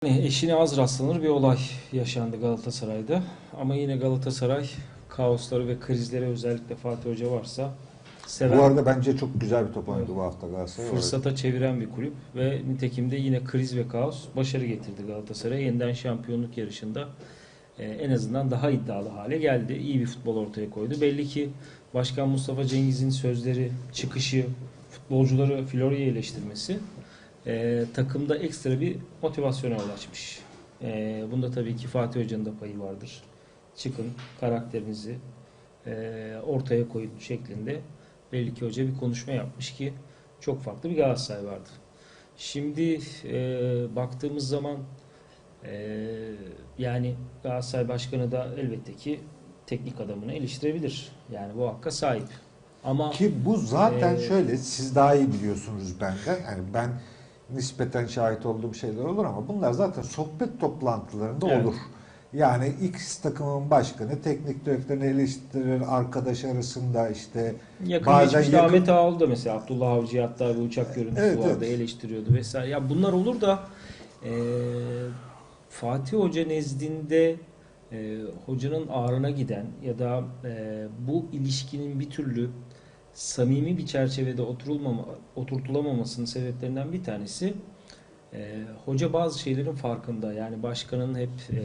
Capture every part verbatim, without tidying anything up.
Yani eşine az rastlanır bir olay yaşandı Galatasaray'da. Ama yine Galatasaray kaosları ve krizlere özellikle Fatih Hoca varsa Bu seven, arada bence çok güzel bir top evet, oynadı bu hafta Galatasaray. fırsata çeviren bir kulüp ve nitekim de yine kriz ve kaos başarı getirdi Galatasaray'a. Yeniden şampiyonluk yarışında e, en azından daha iddialı hale geldi. İyi bir futbol ortaya koydu. Belli ki Başkan Mustafa Cengiz'in sözleri, çıkışı, futbolcuları Florya'yı eleştirmesi e, takımda ekstra bir motivasyona yol açmış. E, bunda tabii ki Fatih Hoca'nın da payı vardır. Çıkın, karakterinizi e, ortaya koyun şeklinde belli ki hoca bir konuşma yapmış ki çok farklı bir Galatasaray vardı. Şimdi e, baktığımız zaman e, yani Galatasaray Başkanı da elbette ki teknik adamını eleştirebilir. Yani bu hakka sahip. Ama Ki bu zaten Ee, şöyle, siz daha iyi biliyorsunuz benden. Yani ben nispeten şahit olduğum şeyler olur ama bunlar zaten sohbet toplantılarında Evet. olur. Yani X takımın başkanı teknik direktörünü eleştirir, arkadaş arasında işte yakın bazen geçmişte yakın... Ahmet Ağaoğlu da mesela Abdullah Avcı'ya hatta bir uçak görüntüsü Evet, vardı, evet. eleştiriyordu vesaire. Ya bunlar olur da e, Fatih Hoca nezdinde e, hocanın ağrına giden ya da e, bu ilişkinin bir türlü samimi bir çerçevede oturulmama, oturtulamamasının sebeplerinden bir tanesi e, hoca bazı şeylerin farkında. Yani başkanın hep e,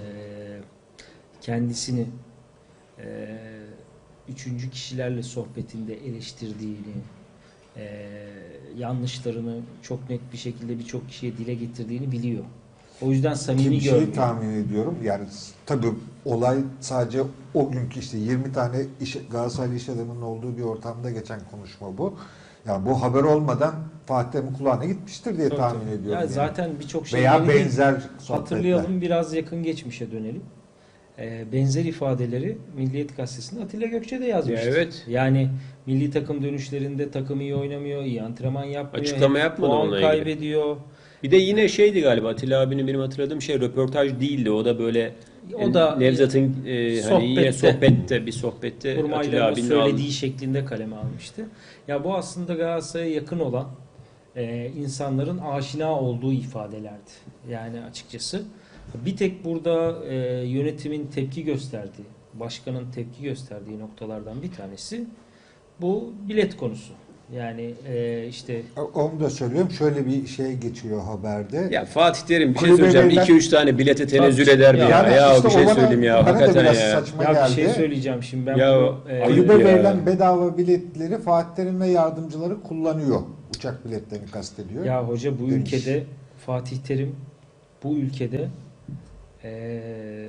kendisini e, üçüncü kişilerle sohbetinde eleştirdiğini, e, yanlışlarını çok net bir şekilde birçok kişiye dile getirdiğini biliyor. O yüzden Ki samimi bir şey görmüyor. tahmin ediyorum. Yani tabii olay sadece o günkü işte yirmi tane iş, Galatasaraylı iş adamının olduğu bir ortamda geçen konuşma bu. Yani bu haber olmadan Fatih'in kulağına gitmiştir diye Tabii, tahmin tabii. ediyorum. Ya Yani. zaten birçok şey Veya yeni değil. benzer sohbetler. Hatırlayalım, biraz yakın geçmişe dönelim. E, benzer ifadeleri Milliyet Gazetesi'nde Atilla Gökçe de Ya yazmıştı. evet. Yani milli takım dönüşlerinde takım iyi oynamıyor, iyi antrenman yapmıyor, Açıklama hep yapmadı puan onunla ilgili. kaybediyor. Bir de yine şeydi galiba Atilla abinin benim hatırladığım şey röportaj değildi. O da böyle O e, da Nevzat'ın e, hani yine sohbette, sohbette bir sohbette Atilla kurmayların o abinin söylediği aldı. şeklinde kaleme almıştı. Ya bu aslında Galatasaray'a yakın olan e, insanların aşina olduğu ifadelerdi. Yani açıkçası. Bir tek burada e, yönetimin tepki gösterdiği, başkanın tepki gösterdiği noktalardan bir tanesi bu bilet konusu. Yani e, işte Onu da söylüyorum. Şöyle bir şey geçiyor haberde. Ya Fatih Terim bir şey Kulübe söyleyeceğim. verilen- iki üç tane bilete tenezzül Tabii. eder mi Ya- ya? Yani Ya, işte bir şey o bana- söyleyeyim ya. bana da Hakikaten biraz ya. saçma ya bir geldi. şey söyleyeceğim şimdi ben Ya, bu e, ayıp Kulübe ya. verilen bedava biletleri Fatih Terim ve yardımcıları kullanıyor. Uçak biletlerini kastediyor. ya hoca bu Demiş. ülkede Fatih Terim bu ülkede e,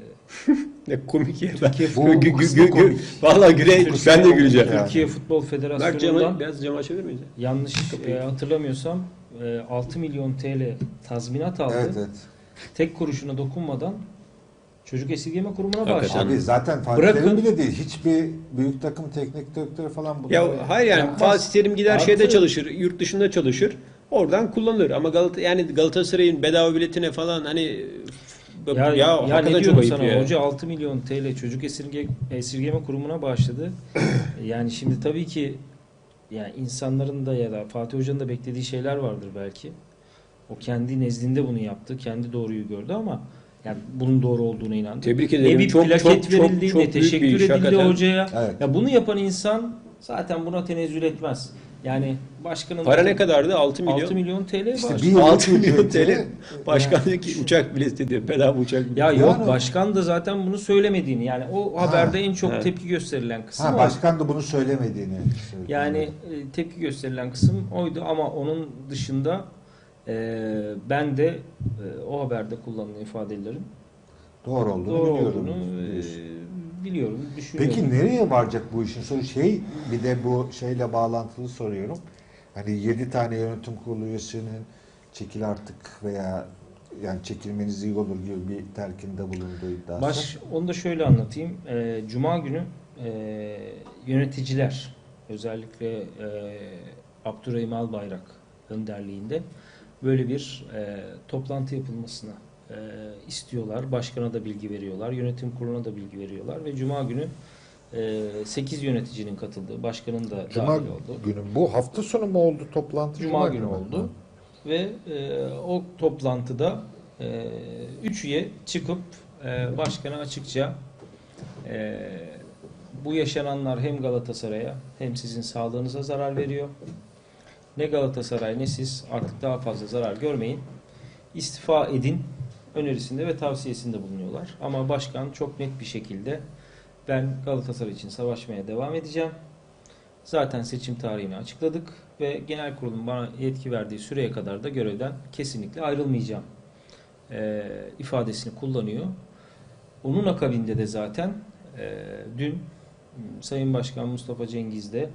Ne komik ya. Türkiye Bu Gü- gü- kısmı gü- gü- komik. Vallahi güle ben de güleceğim. Yani. Türkiye Futbol Bak Federasyonu'ndan camı, biraz camı açabilir miyiz? yanlış e, hatırlamıyorsam e, altı milyon T L tazminat aldı. Evet, evet. Tek kuruşuna dokunmadan çocuk esirgeme kurumuna Hakikaten. bağışladı. Abi zaten Fatih Bırakın- Terim bile değil. Hiçbir büyük takım teknik direktörü falan bunları Ya hayır yani Yapmaz. Fatih Terim gider Artı- şeyde çalışır, yurt dışında çalışır. Oradan kullanılır ama Galata yani Galatasaray'ın bedava biletine falan hani Ya, ya, ya, hakikaten ne çok diyorum ayıp sana, ya. hoca altı milyon T L çocuk esirge, esirgeme kurumuna bağışladı. Yani şimdi tabii ki yani insanların da ya da Fatih Hoca'nın da beklediği şeyler vardır belki. O kendi nezdinde bunu yaptı. Kendi doğruyu gördü ama yani bunun doğru olduğuna inandı. Tebrik Ne ederim. bir Çok plaket çok çok verildi, çok ne büyük bir teşekkür iş edildi hakikaten. hocaya. Evet. Ya bunu yapan insan zaten buna tenezzül etmez. Yani başkanın Para ne kadardı? altı milyon. altı milyon T L İşte var. bir yıllık altı milyon ücreti- T L. Başkan diyor ki uçak bileti diyor. Bedava uçak bileti. Ya Yani- yok, başkan da zaten bunu söylemediğini, yani o Ha, haberde en çok evet. tepki gösterilen kısım Ha, o. başkan da bunu söylemediğini söyledi. Yani e, tepki gösterilen kısım oydu ama onun dışında e, ben de e, o haberde kullanılan ifadelerin doğru olduğunu doğru biliyordum. olduğunu e, diyorsun. biliyorum, düşünüyorum. Peki nereye varacak bu işin sonu? Şey, bir de bu şeyle bağlantılı soruyorum. Hani yedi tane yönetim kurulu üyesinin çekil artık veya yani çekilmeniz iyi olur gibi bir telkinde bulunduğu iddiası. Baş, onu da şöyle anlatayım. E, Cuma günü e, yöneticiler, özellikle e, Abdurrahim Albayrak önderliğinde böyle bir e, toplantı yapılmasını e, istiyorlar. Başkana da bilgi veriyorlar. Yönetim kuruluna da bilgi veriyorlar ve Cuma günü e, sekiz yöneticinin katıldığı, başkanın da Cuma dahil olduğu günü bu hafta sonu mu oldu toplantı? Cuma günü mü? oldu. Ve e, o toplantıda e, üç üye çıkıp e, başkana açıkça e, bu yaşananlar hem Galatasaray'a hem sizin sağlığınıza zarar veriyor. Ne Galatasaray ne siz artık daha fazla zarar görmeyin. İstifa edin önerisinde ve tavsiyesinde bulunuyorlar. Ama başkan çok net bir şekilde ben Galatasaray için savaşmaya devam edeceğim. Zaten seçim tarihini açıkladık ve genel kurulun bana yetki verdiği süreye kadar da görevden kesinlikle ayrılmayacağım e, ifadesini kullanıyor. Onun akabinde de zaten e, dün Sayın Başkan Mustafa Cengiz de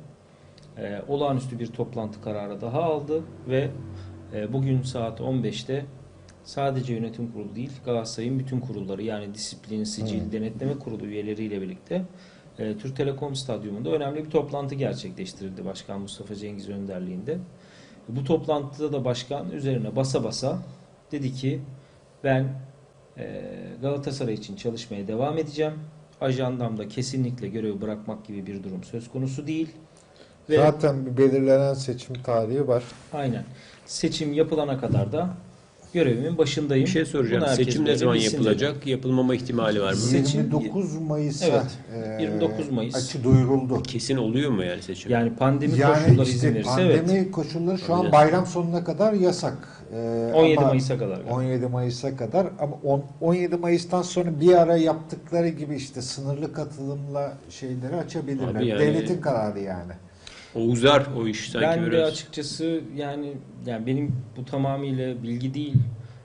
e, olağanüstü bir toplantı kararı daha aldı ve e, bugün saat on beşte sadece yönetim kurulu değil Galatasaray'ın bütün kurulları yani disiplin, sicil, Hmm. denetleme kurulu üyeleriyle birlikte e, Türk Telekom Stadyumunda önemli bir toplantı gerçekleştirildi Başkan Mustafa Cengiz önderliğinde. Bu toplantıda da başkan üzerine basa basa dedi ki ben e, Galatasaray için çalışmaya devam edeceğim. Ajandamda kesinlikle görevi bırakmak gibi bir durum söz konusu değil. Ve Zaten bir belirlenen seçim tarihi var. aynen seçim yapılana kadar da görevimin başındayım. Bir şey soracağım. Bunu herkes Seçim ne böyle zaman bilsin yapılacak? dedi. Yapılmama ihtimali var mı? Seçim- yirmi dokuz Mayıs'a Evet, e, yirmi dokuz Mayıs. açı duyuruldu. Kesin oluyor mu yani seçim? Yani pandemi Yani koşulları izin işte verirse pandemi evet. koşulları şu an Olacak. bayram sonuna kadar yasak. E, on yedi ama- Mayıs'a kadar. galiba. on yedi Mayıs'a kadar ama on- 17 Mayıs'tan sonra bir ara yaptıkları gibi işte sınırlı katılımla şeyleri açabilirler. Abi yani- Devletin kararı yani. O uzar o iş sanki Ben de biraz. açıkçası yani yani benim bu tamamıyla bilgi değil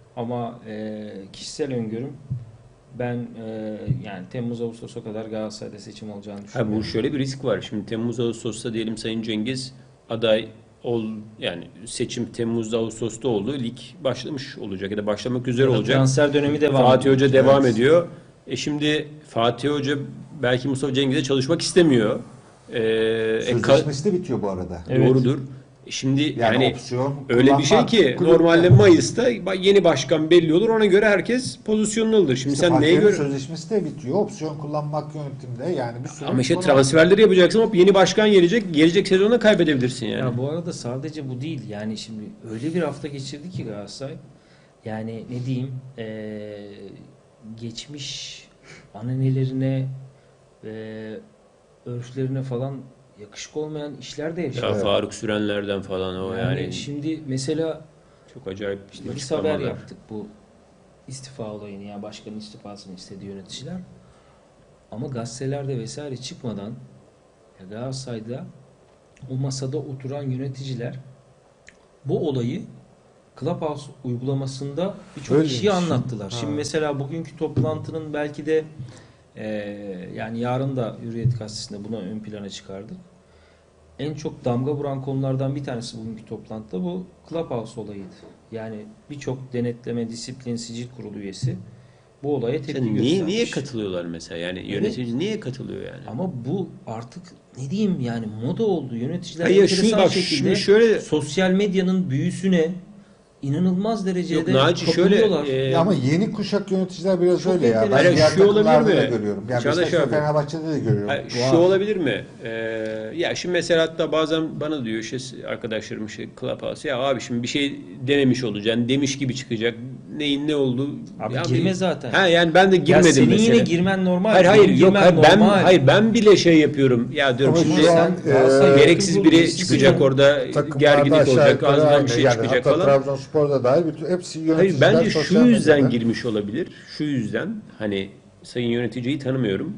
ama e, kişisel öngörüm ben e, yani Temmuz Ağustos'a kadar Galatasaray'da seçim olacağını Ha, düşünüyorum. bu şöyle bir risk var. Şimdi Temmuz Ağustos'ta diyelim Sayın Cengiz aday ol yani seçim Temmuz Ağustos'ta oldu. Lig başlamış olacak ya da başlamak üzere Ya da olacak. transfer dönemi devam Fatih ediyor. Hoca devam Evet. ediyor. E şimdi Fatih Hoca belki Mustafa Cengiz'e çalışmak istemiyor. Ee, e, ka- Sözleşmesi de bitiyor bu arada. Evet. Doğrudur. E Şimdi Yani, yani, opsiyon öyle bir şey kullanmak ki kulüpte. normalde Mayıs'ta yeni başkan belli olur. Ona göre herkes pozisyonunu alır. Şimdi İşte sen neye Fatih'in göre sözleşmesi de bitiyor. Opsiyon kullanmak yönetimde yani bir sürü ama işte konu var. transferleri yapacaksın ama yeni başkan gelecek. Gelecek sezonda kaybedebilirsin yani. Ya bu arada sadece bu değil. Yani şimdi öyle bir hafta geçirdi ki Galatasaray. Yani ne diyeyim eee, geçmiş ananelerine ve örflerine falan yakışık olmayan işler de yaşadı. Ya Evet. Faruk Sürenler'den falan o Yani, yani, şimdi mesela çok acayip işte biz açıklamalar. haber yaptık bu istifa olayını ya başkanın istifasını istediği yöneticiler. Ama gazetelerde vesaire çıkmadan ya Galatasaray'da o masada oturan yöneticiler bu olayı Clubhouse uygulamasında birçok Öyle kişiye mi? anlattılar. Ha. Şimdi mesela bugünkü toplantının belki de eee, yani yarın da Hürriyet Gazetesi'nde bunu ön plana çıkardık. En çok damga vuran konulardan bir tanesi bugünkü toplantıda bu Clubhouse olayıydı. Yani birçok denetleme, disiplin, sicil kurulu üyesi bu olaya tepki Sen niye, göstermiş. niye katılıyorlar mesela? Yani yönetici niye katılıyor yani? Ama bu artık ne diyeyim yani moda oldu. Yöneticiler Hayır, şu enteresan bak şekilde şimdi şöyle sosyal medyanın büyüsüne inanılmaz derecede yok Naci şöyle kapılıyorlar. e, Ya ama yeni kuşak yöneticiler biraz Çok öyle ya. Ben enteresan. diğer Hayır, şu olabilir takımlarda da mi? görüyorum. Yani Çağdaş Beşiktaş ve abi. Fenerbahçe'de de görüyorum. Hayır, şu Var. olabilir mi? Ee, ya şimdi mesela hatta bazen bana diyor işte arkadaşlarım işte Clubhouse ya abi şimdi bir şey dememiş olacaksın demiş gibi çıkacak. Neyin ne oldu? Abi Ya girme bir- zaten. Ha yani ben de Ya girmedim senin mesela. yine girmen normal. Hayır hayır Benim yok girmem hayır, ben normal. hayır ben bile şey yapıyorum. Ya diyorum Ama şimdi şu an, sen Galatasaray e, gereksiz yönetim biri kurulu çıkacak üyesisin. orada Takımlarda gerginlik aşağı olacak yukarı ağzından aynı. bir şey Yani çıkacak hatta falan. Trabzonspor'da dahil bütün hepsi Hayır yöneticiler bence şu sosyal yüzden medyada. girmiş olabilir. Şu yüzden hani sayın yöneticiyi tanımıyorum.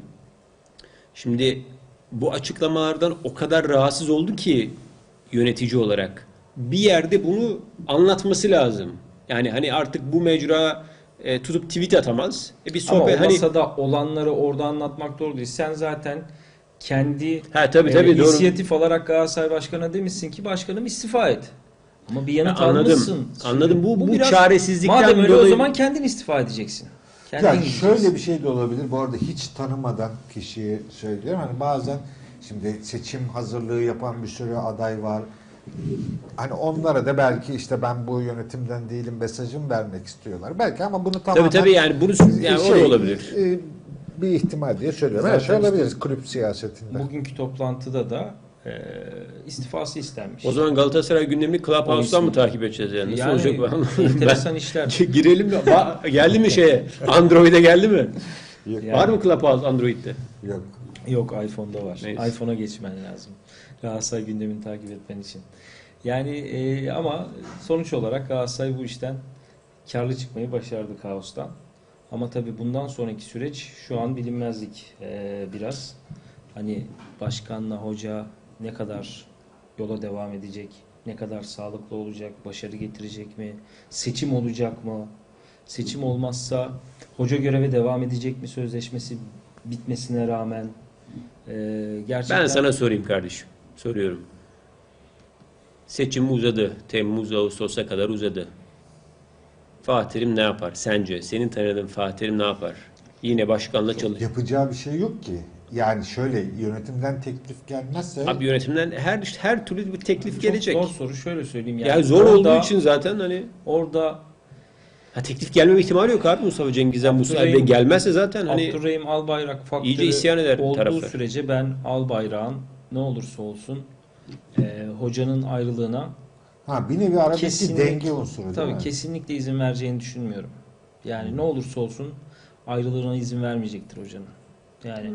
Şimdi bu açıklamalardan o kadar rahatsız oldu ki yönetici olarak bir yerde bunu anlatması lazım. Yani hani artık bu mecra e, tutup tweet atamaz. E bir Ama sohbet o hani masada olanları orada anlatmak doğru değil. Sen zaten kendi ha tabii e, tabii doğru. inisiyatif alarak Galatasaray Başkanı'na demişsin ki başkanım istifa et. Ama bir yanıt Ha, anladım. almışsın. Şimdi Anladım. Bu- bu biraz- çaresizlikten madem öyle o dolayı- zaman kendin istifa edeceksin. Kendin Ya gideceksin. şöyle bir şey de olabilir. Bu arada hiç tanımadan kişiyi söylüyorum. Hani bazen şimdi seçim hazırlığı yapan bir sürü aday var. Hani onlara da belki işte ben bu yönetimden değilim mesajım vermek istiyorlar. Belki ama bunu tamamen Tabii tabii yani bunu yani o şey, da olabilir. e, bir ihtimal diye söylüyorum. Her Zaten şey olabilir işte kulüp siyasetinde. Bugünkü toplantıda da e, istifası istenmiş. O zaman Galatasaray gündemini Clubhouse'dan O mı takip edeceğiz yani? Nasıl Yani olacak bu anlamadım. enteresan Ben- işler. Girelim mi? Va- geldi mi şeye? Android'e geldi mi? Yok. Yani- Var mı Clubhouse Android'de? Yok. Yok, iPhone'da var. Neyse. iPhone'a geçmen lazım. Galatasaray gündemini takip etmen için. Yani e, ama sonuç olarak Galatasaray bu işten karlı çıkmayı başardı kaostan. Ama tabii bundan sonraki süreç şu an bilinmezlik e, biraz. Hani başkanla hoca ne kadar yola devam edecek, ne kadar sağlıklı olacak, başarı getirecek mi, seçim olacak mı? Seçim olmazsa hoca göreve devam edecek mi sözleşmesi bitmesine rağmen? E, gerçekten Ben sana sorayım kardeşim. Soruyorum. Seçim uzadı. Temmuz, Ağustos'a kadar uzadı. Fatih Terim ne yapar sence? Senin tanıdığın Fatih Terim ne yapar? Yine başkanla çalış. Yapacağı bir şey yok ki. Yani şöyle yönetimden teklif gelmezse Abi yönetimden her her türlü bir teklif çok gelecek. zor soru, şöyle söyleyeyim. Yani Ya zor orada- olduğu için zaten hani orada ha, teklif gelmeme ihtimali yok abi Mustafa Cengiz'den bu Abdurrahim- sayede gelmezse zaten hani Abdurrahim Albayrak faktörü iyice isyan eder olduğu taraftar. sürece ben Albayrak'ın ne olursa olsun e, hocanın ayrılığına ha bir nevi aradaki Kesinlikle- denge unsuru değil tabii mi? kesinlikle izin vereceğini düşünmüyorum. Yani ne olursa olsun ayrılığına izin vermeyecektir hocanın. Yani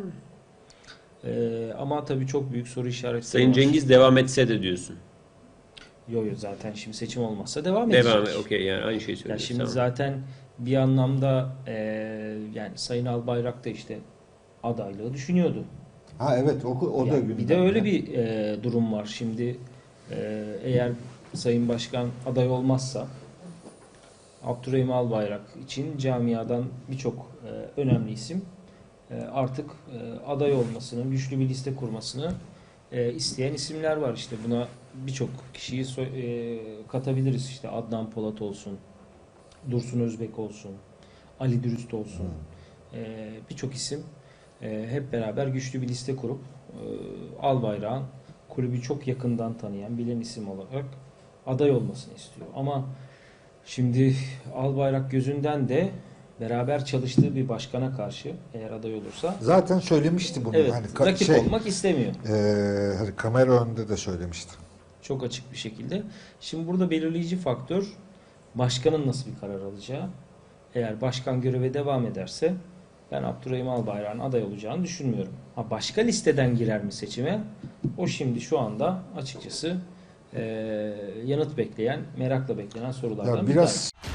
e, ama tabii çok büyük soru işaretleri Sayın var. Cengiz devam etse de diyorsun. Yo yo, zaten şimdi seçim olmazsa devam edecek. Devam et. Okey yani aynı şeyi Ya söylüyorsun. şimdi Tamam. zaten bir anlamda e, yani Sayın Albayrak da işte adaylığı düşünüyordu. Ha evet o, o da Yani bir de gündemde. öyle bir e, durum var. Şimdi e, eğer Sayın Başkan aday olmazsa Abdurrahim Albayrak için camiadan birçok e, önemli isim e, artık e, aday olmasını, güçlü bir liste kurmasını e, isteyen isimler var. İşte buna birçok kişiyi so- e, katabiliriz. İşte Adnan Polat olsun, Dursun Özbek olsun, Ali Dürüst olsun. E, birçok isim e, hep beraber güçlü bir liste kurup e, Albayrak'ın kulübü çok yakından tanıyan, bilen isim olarak aday olmasını istiyor. Ama şimdi Albayrak gözünden de beraber çalıştığı bir başkana karşı eğer aday olursa Zaten söylemişti bunu. evet, hani ka- rakip şey, olmak istemiyor. e, hani kamera önünde de söylemişti. Çok açık bir şekilde. Şimdi burada belirleyici faktör başkanın nasıl bir karar alacağı. Eğer başkan göreve devam ederse ben Abdurrahim Albayrak'ın aday olacağını düşünmüyorum. Ha, başka listeden girer mi seçime? O şimdi şu anda açıkçası eee, yanıt bekleyen, merakla beklenen sorulardan Ya bir biraz tanesi.